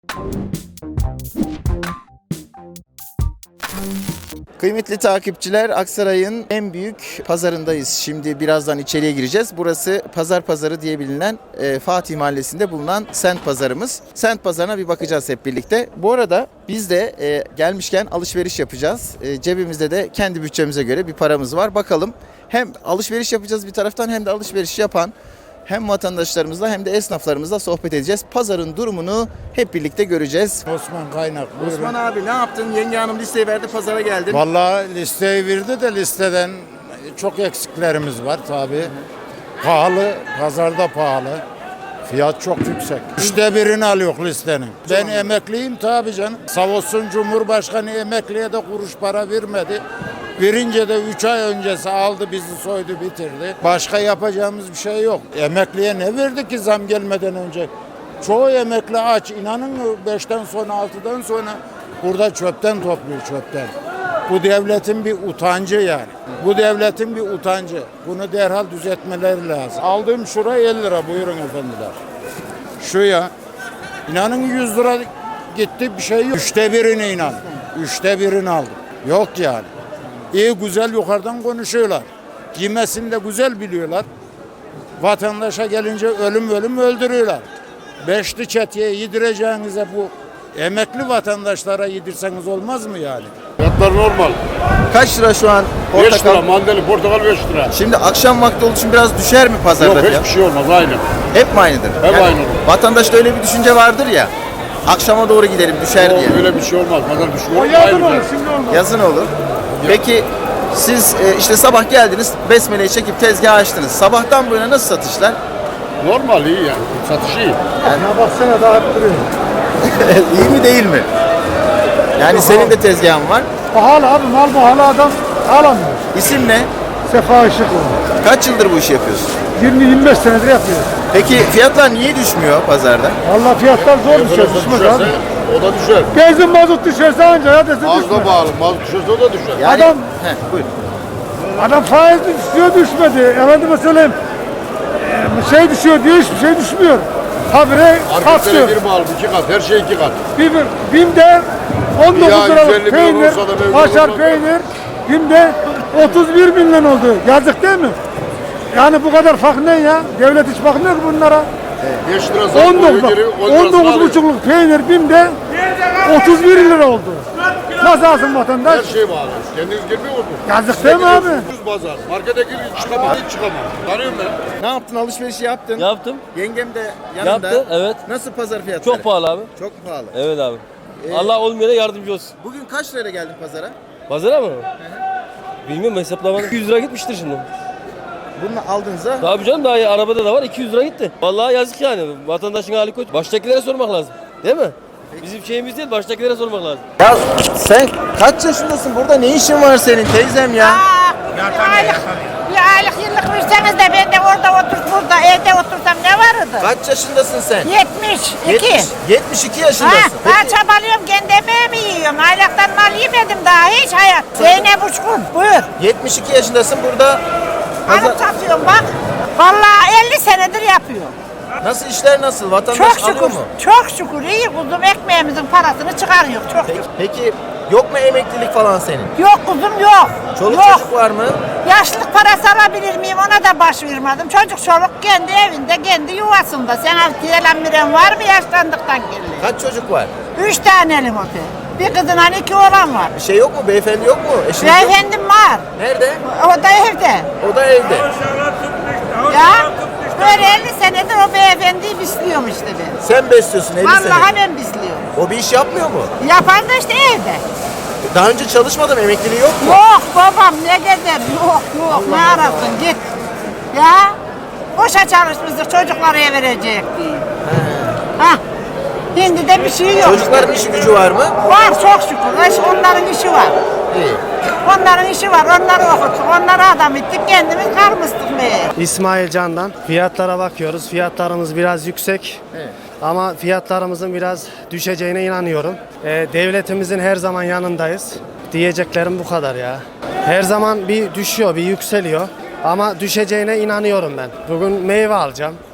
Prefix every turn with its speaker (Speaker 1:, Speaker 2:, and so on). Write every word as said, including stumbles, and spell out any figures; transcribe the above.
Speaker 1: Kıymetli takipçiler, Aksaray'ın en büyük pazarındayız. Şimdi birazdan içeriye gireceğiz. Burası Pazar Pazarı diye bilinen e, Fatih Mahallesi'nde bulunan Sent Pazarımız. Sent Pazarı'na bir bakacağız hep birlikte. Bu arada biz de e, gelmişken alışveriş yapacağız. E, cebimizde de kendi bütçemize göre bir paramız var. Bakalım, hem alışveriş yapacağız bir taraftan, hem de alışveriş yapan hem vatandaşlarımızla hem de esnaflarımızla sohbet edeceğiz. Pazarın durumunu hep birlikte göreceğiz.
Speaker 2: Osman Kaynak. Buyurun.
Speaker 1: Osman abi, ne yaptın? Yenge hanım listeyi verdi, pazara geldin.
Speaker 2: Vallahi listeyi verdi de listeden çok eksiklerimiz var tabii. Pahalı, pazarda pahalı. Fiyat çok yüksek. Üçte birini alıyor listenin. Ben emekliyim tabii canım. Sağ olsun Cumhurbaşkanı emekliye de kuruş para vermedi. Verince de üç ay öncesi aldı, bizi soydu, bitirdi. Başka yapacağımız bir şey yok. Emekliye ne verdi ki zam gelmeden önce? Çoğu emekli aç. İnanın mı, beşten sonra, altıdan sonra burada çöpten topluyor, çöpten. Bu devletin bir utancı yani. Bu devletin bir utancı. Bunu derhal düzeltmeleri lazım. Aldığım şura elli lira, buyurun efendiler. Şu ya. İnanın yüz lira gitti, bir şey yok. Üçte birini inan. Üçte birini aldım. Yok yani. İyi güzel yukarıdan konuşuyorlar. Giymesini de güzel biliyorlar. Vatandaşa gelince ölüm ölüm öldürüyorlar. Beşli çeteye yedireceğinize bu emekli vatandaşlara yedirseniz olmaz mı yani?
Speaker 3: Fiyatlar normal.
Speaker 1: Kaç lira şu an
Speaker 3: beş
Speaker 1: portakal?
Speaker 3: lira mandalina, portakal beş lira.
Speaker 1: Şimdi akşam vakti olduğu için biraz düşer mi pazarda
Speaker 3: Yok,
Speaker 1: fiyat?
Speaker 3: hiçbir şey olmaz, aynı.
Speaker 1: Hep mi aynıdır?
Speaker 3: Hep aynı.
Speaker 1: Vatandaşta öyle bir düşünce vardır ya. Akşama doğru gidelim, düşer
Speaker 3: Yok,
Speaker 1: diye.
Speaker 3: öyle bir şey olmaz. Pazar düşüyor.
Speaker 4: Yazın olur, şimdi olmaz.
Speaker 1: Yazın olur. Peki siz e, işte sabah geldiniz, besmeleyi çekip tezgah açtınız. Sabahtan bu yana nasıl satışlar?
Speaker 3: Normal, iyi yani. Satış iyi.
Speaker 4: Ya baksana daha hep duruyor.
Speaker 1: İyi mi değil mi? Yani senin de tezgahın var.
Speaker 4: Pahalı abi, mal pahalı, adam alamıyor.
Speaker 1: İsim ne?
Speaker 4: Sefa Işıklı.
Speaker 1: Kaç yıldır bu işi yapıyorsun?
Speaker 4: yirmi yirmi beş senedir yapıyor.
Speaker 1: Peki fiyatlar niye düşmüyor pazarda?
Speaker 4: Vallahi fiyatlar zor düşer,
Speaker 3: Enflasyon
Speaker 4: düşmez
Speaker 3: düşerse
Speaker 4: abi.
Speaker 3: o da düşer.
Speaker 4: Benzin mazot düşerse anca ya dese
Speaker 3: Az da
Speaker 4: düşmez.
Speaker 3: bağlı. Mazot düşerse o da düşer.
Speaker 1: Yani,
Speaker 4: Adam-
Speaker 1: Heh, buyur.
Speaker 4: Adam faiz düşüyor, düşmedi. Efendime söyleyeyim, e, şey düşüyor diyor, hiçbir şey düşmüyor. Habire
Speaker 3: Marketlere
Speaker 4: katlıyor.
Speaker 3: girme alıp iki kat. Her şey iki kat.
Speaker 4: Bir, BİM'de on
Speaker 3: Ya
Speaker 4: dokuz liralık
Speaker 3: yüz elli bin
Speaker 4: peynir,
Speaker 3: olsa da mevzu
Speaker 4: kaşar
Speaker 3: olmaz.
Speaker 4: peynir, BİM'de otuz bir milyon oldu. Yazık değil mi? Yani bu kadar fark ne ya? Devlet hiç bakmıyor ki bunlara.
Speaker 3: beş lira zam
Speaker 4: on dokuz,
Speaker 3: koyuyor, geri on
Speaker 4: on
Speaker 3: lirasını
Speaker 4: dokuz
Speaker 3: alıyor.
Speaker 4: buçukluk peynir BİM'de otuz bir lira oldu. Nasıl alsın vatandaş?
Speaker 3: Her şey bağlı. Kendiniz girmiyor musunuz?
Speaker 4: Yazık değil mi abi?
Speaker 3: Ucuz pazar. Markete gir, çıkamam, hiç çıkamam. Tanıyorum ben.
Speaker 1: Ne yaptın? Alışverişi yaptın.
Speaker 5: Yaptım.
Speaker 1: Yengem de yanında.
Speaker 5: Yaptı, evet.
Speaker 1: Nasıl pazar fiyatları?
Speaker 5: Çok pahalı abi.
Speaker 1: Çok pahalı.
Speaker 5: Evet abi.
Speaker 1: Ee,
Speaker 5: Allah olmayana yardımcı olsun.
Speaker 1: Bugün kaç liraya geldin pazara?
Speaker 5: Pazara mı? Bilmiyorum, hesaplamadım. iki yüz lira gitmiştir şimdi.
Speaker 1: Bunu aldığınızda
Speaker 5: Tabii canım, daha iyi. Arabada da var, iki yüz lira gitti. Vallahi yazık yani. Vatandaşın hali kötü. Baştakilere sormak lazım. Değil mi? Bizim şeyimiz değil, baştakilere sormak lazım.
Speaker 1: ya sen kaç yaşındasın? Burada ne işin var senin teyzem ya?
Speaker 6: Bir aylık, bir aylık yıllık verseniz de ben de orada otur, burada evde otursam ne vardı?
Speaker 1: Kaç yaşındasın sen?
Speaker 6: yetmiş iki.
Speaker 1: yetmiş, yetmiş iki
Speaker 6: Ha,
Speaker 1: yaşındasın.
Speaker 6: daha
Speaker 1: Peki,
Speaker 6: çabalıyorum, kendi emeğimi yiyorum. Aylaktan mal yemedim daha hiç hayat. Zeynep Uçkun, buyur.
Speaker 1: yetmiş iki yaşındasın burada. Pazar...
Speaker 6: Alıp satıyorum bak. Vallahi elli senedir yapıyor.
Speaker 1: Nasıl, işler nasıl? Vatandaş
Speaker 6: Çok
Speaker 1: alıyor
Speaker 6: şükür,
Speaker 1: mu?
Speaker 6: çok şükür iyi kuzum, ekmeğimizin parasını çıkarıyor. Çok
Speaker 1: Peki,
Speaker 6: şükür.
Speaker 1: peki yok mu emeklilik falan senin?
Speaker 6: Yok kuzum yok.
Speaker 1: Çoluk
Speaker 6: yok.
Speaker 1: çocuk var mı?
Speaker 6: Yaşlılık parası alabilir miyim, ona da başvurmadım. Çocuk çoluk kendi evinde, kendi yuvasında. Sen altı miren var mı yaşlandıktan geldi?
Speaker 1: Kaç çocuk var?
Speaker 6: Üç taneli motel. Bir kızın iki oğlan var.
Speaker 1: Bir şey yok mu? Beyefendi yok mu? Eşiniz yok mu?
Speaker 6: Beyefendim var.
Speaker 1: Nerede?
Speaker 6: O da evde.
Speaker 1: O da evde.
Speaker 6: Ya böyle elli senedir o beyefendiyi besliyorum işte ben.
Speaker 1: Sen besliyorsun elli sene.
Speaker 6: Vallahi ben besliyorum.
Speaker 1: O bir iş yapmıyor mu?
Speaker 6: Yapan da işte evde.
Speaker 1: Daha önce çalışmadım, emekliliği yok mu?
Speaker 6: Yok babam ne gezer, yok yok ne arasın git. Ya boşa çalışmıştık, çocuklara verecek diye. Ha. Şimdi de bir şey yok.
Speaker 1: Çocukların işi gücü var mı?
Speaker 6: Var çok şükür. Eş- Onların işi var.
Speaker 1: İyi.
Speaker 6: Onların işi var. Onları okuttuk. Onları adam ettik. Kendimiz karmıştık meğer.
Speaker 7: İsmail Can'dan. Fiyatlara bakıyoruz. Fiyatlarımız biraz yüksek.
Speaker 1: Evet.
Speaker 7: Ama fiyatlarımızın biraz düşeceğine inanıyorum. Ee, devletimizin her zaman yanındayız. Diyeceklerim bu kadar ya. Her zaman bir düşüyor, bir yükseliyor. Ama düşeceğine inanıyorum ben. Bugün meyve alacağım.